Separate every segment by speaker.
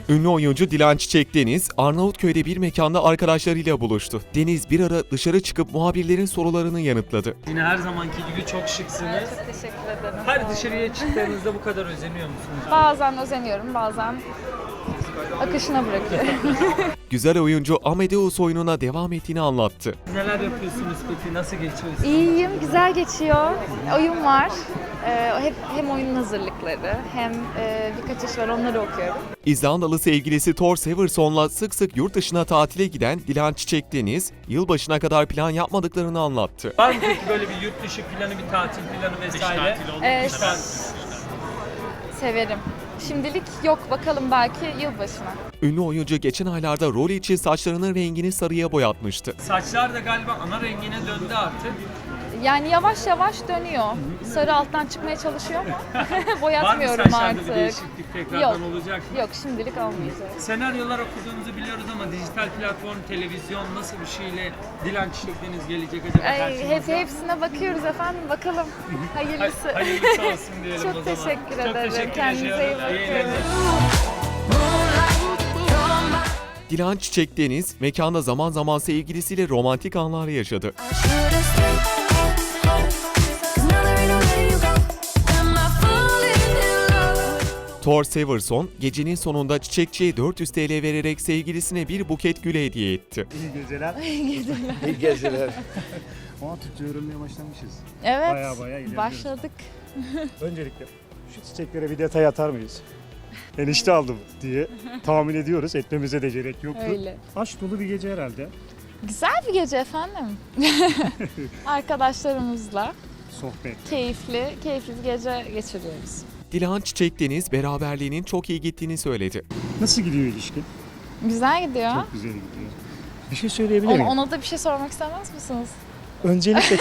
Speaker 1: Ünlü oyuncu Dilan Çiçek Deniz, Arnavutköy'de bir mekanda arkadaşlarıyla buluştu. Deniz bir ara dışarı çıkıp muhabirlerin sorularını yanıtladı.
Speaker 2: Yine her zamanki gibi çok şıksınız.
Speaker 3: Çok teşekkür ederim.
Speaker 2: Her dışarıya çıktığınızda bu kadar özeniyor musunuz?
Speaker 3: Bazen özeniyorum, bazen akışına bırakıyorum.
Speaker 1: Güzel oyuncu Amadeus oyununa devam ettiğini anlattı.
Speaker 2: Neler yapıyorsunuz peki? Nasıl geçiyorsunuz?
Speaker 3: İyiyim, güzel geçiyor. Oyun var. Hem oyunun hazırlıkları hem birkaç iş var, onları okuyorum.
Speaker 1: İzlandalı sevgilisi Thor Severson'la sık sık yurt dışına tatile giden Dilan Çiçek Deniz, yılbaşına kadar plan yapmadıklarını anlattı.
Speaker 2: Var mı peki böyle bir yurt dışı planı, bir tatil planı vesaire?
Speaker 3: Evet, severim. Şimdilik yok, bakalım belki yılbaşına.
Speaker 1: Ünlü oyuncu geçen aylarda rol için saçlarının rengini sarıya boyatmıştı.
Speaker 2: Saçlar da galiba ana rengine döndü artık.
Speaker 3: Yani yavaş yavaş dönüyor. Sarı alttan çıkmaya çalışıyor ama
Speaker 2: Var mı
Speaker 3: boyatmıyorum
Speaker 2: saçlarda bir
Speaker 3: artık.
Speaker 2: değişiklik tekrardan olacak mı?
Speaker 3: Yok, şimdilik olmayacak.
Speaker 2: Senaryolar okuduğunuzu biliyoruz ama dijital platform, televizyon nasıl bir şeyle Dilan Çiçek Deniz gelecek acaba karşımıza?
Speaker 3: Hepsine bakıyoruz efendim, bakalım. Hayırlısı.
Speaker 2: Hayırlısı olsun diyelim
Speaker 3: Çok
Speaker 2: o zaman.
Speaker 3: teşekkür
Speaker 2: Çok
Speaker 3: ederim.
Speaker 2: teşekkür
Speaker 3: Kendinize iyi
Speaker 2: ediyorum.
Speaker 3: bakın.
Speaker 2: eğlenceler.
Speaker 1: Dilan Çiçek Deniz, mekanda zaman zaman sevgilisiyle romantik anlar yaşadı. Thor Severson, gecenin sonunda çiçekçiye 400 TL vererek sevgilisine bir buket gül hediye etti.
Speaker 4: İyi geceler.
Speaker 5: İyi geceler.
Speaker 4: Ama Türkçe öğrenmeye başlamışız.
Speaker 3: Evet,
Speaker 4: Bayağı ilerliyoruz.
Speaker 3: başladık.
Speaker 4: Öncelikle şu çiçeklere bir detay atar mıyız? Enişte aldım diye tahmin ediyoruz. Etmemize de gerek yoktu.
Speaker 3: Öyle.
Speaker 4: Aşk dolu bir gece herhalde.
Speaker 3: Güzel bir gece efendim. Arkadaşlarımızla
Speaker 4: Sohbet.
Speaker 3: keyifli bir gece geçiriyoruz.
Speaker 1: Dilan Çiçek Deniz, beraberliğinin çok iyi gittiğini söyledi.
Speaker 4: Nasıl gidiyor ilişki?
Speaker 3: Güzel gidiyor.
Speaker 4: Çok güzel gidiyor. Bir şey söyleyebilir miyim?
Speaker 3: Ona da bir şey sormak istemez misiniz?
Speaker 4: Öncelikle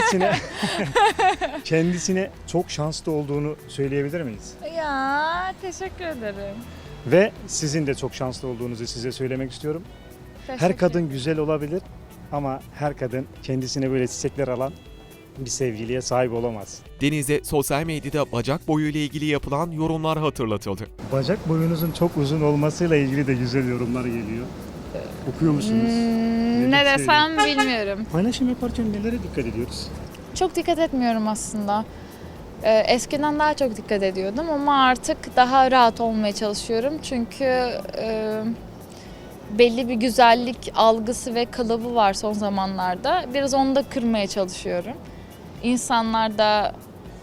Speaker 4: kendisine çok şanslı olduğunu söyleyebilir miyiz?
Speaker 3: Ya, teşekkür ederim.
Speaker 4: Ve sizin de çok şanslı olduğunuzu size söylemek istiyorum. Her
Speaker 3: Teşekkür
Speaker 4: kadın güzel olabilir ama her kadın kendisine böyle çiçekler alan bir sevgiliye sahip olamaz.
Speaker 1: Deniz'e sosyal medyada bacak boyu ile ilgili yapılan yorumlar hatırlatıldı.
Speaker 4: Bacak boyunuzun çok uzun olmasıyla ilgili de güzel yorumlar geliyor. Okuyor musunuz?
Speaker 3: Ne desem bilmiyorum.
Speaker 4: Paylaşım yaparken nelere dikkat ediyoruz?
Speaker 3: Çok dikkat etmiyorum aslında. Eskiden daha çok dikkat ediyordum ama artık daha rahat olmaya çalışıyorum. Çünkü belli bir güzellik algısı ve kalıbı var son zamanlarda. Biraz onu da kırmaya çalışıyorum. İnsanlar da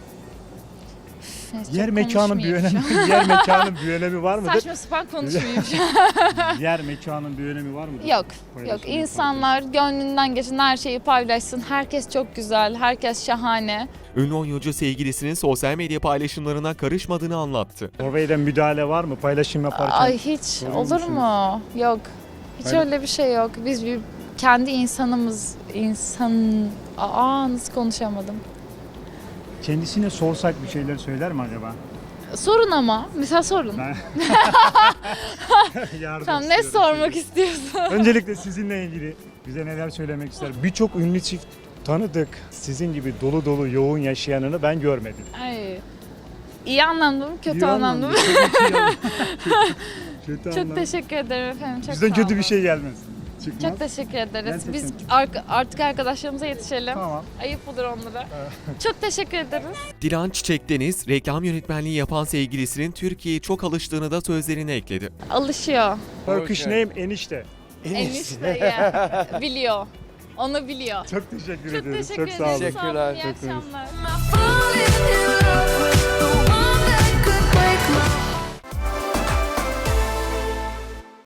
Speaker 4: Yer mekanın bir önemi var mıdır?
Speaker 3: Saçma sapan konuşmayayım şu an.
Speaker 4: Yer mekanın bir önemi var mıdır?
Speaker 3: Yok.
Speaker 4: Paylaşım
Speaker 3: İnsanlar gönlünden geçen her şeyi paylaşsın. Herkes çok güzel, herkes şahane.
Speaker 1: Ünlü oyuncu sevgilisinin sosyal medya paylaşımlarına karışmadığını anlattı.
Speaker 4: Orada müdahale var mı paylaşım yaparken?
Speaker 3: Ay hiç
Speaker 4: sorun
Speaker 3: olur
Speaker 4: musunuz?
Speaker 3: mu? Yok. Hiç
Speaker 4: Öyle-
Speaker 3: öyle bir şey yok. Biz bir kendi insanımız, nasıl konuşamadım.
Speaker 4: Kendisine sorsak bir şeyler söyler mi acaba?
Speaker 3: Sorun ama. Mesela sorun.
Speaker 4: Ben... Yardım
Speaker 3: Tamam, ne
Speaker 4: istiyorum
Speaker 3: sormak
Speaker 4: size.
Speaker 3: istiyorsun?
Speaker 4: Öncelikle sizinle ilgili bize neler söylemek ister? Birçok ünlü çift tanıdık. Sizin gibi dolu dolu yoğun yaşayanını ben görmedim.
Speaker 3: Ay. İyi anlamda mı, kötü
Speaker 4: İyi
Speaker 3: anlamda mı?
Speaker 4: Kötü
Speaker 3: Çok
Speaker 4: anlamda.
Speaker 3: teşekkür ederim efendim. Çok
Speaker 4: Bizden
Speaker 3: sağ
Speaker 4: kötü bir
Speaker 3: olun.
Speaker 4: şey gelmez. Çıkmaz.
Speaker 3: Çok teşekkür ederiz.
Speaker 4: Gerçekten
Speaker 3: Biz
Speaker 4: çok-
Speaker 3: artık arkadaşlarımıza yetişelim.
Speaker 4: Tamam.
Speaker 3: Ayıp olur onlara. Çok teşekkür ederiz.
Speaker 1: Dilan Çiçek Deniz, reklam yönetmenliği yapan sevgilisinin Türkiye'ye çok alıştığını da sözlerine ekledi.
Speaker 3: Alışıyor.
Speaker 4: Turkish name enişte.
Speaker 3: Enişte ya. Biliyor. Onu biliyor.
Speaker 4: Çok teşekkür
Speaker 3: Çok
Speaker 4: ediyoruz.
Speaker 3: teşekkür
Speaker 4: Çok sağ olun.
Speaker 3: ederiz. Sağ olun. İyi
Speaker 5: Teşekkürler.
Speaker 3: akşamlar.
Speaker 5: Falling in love with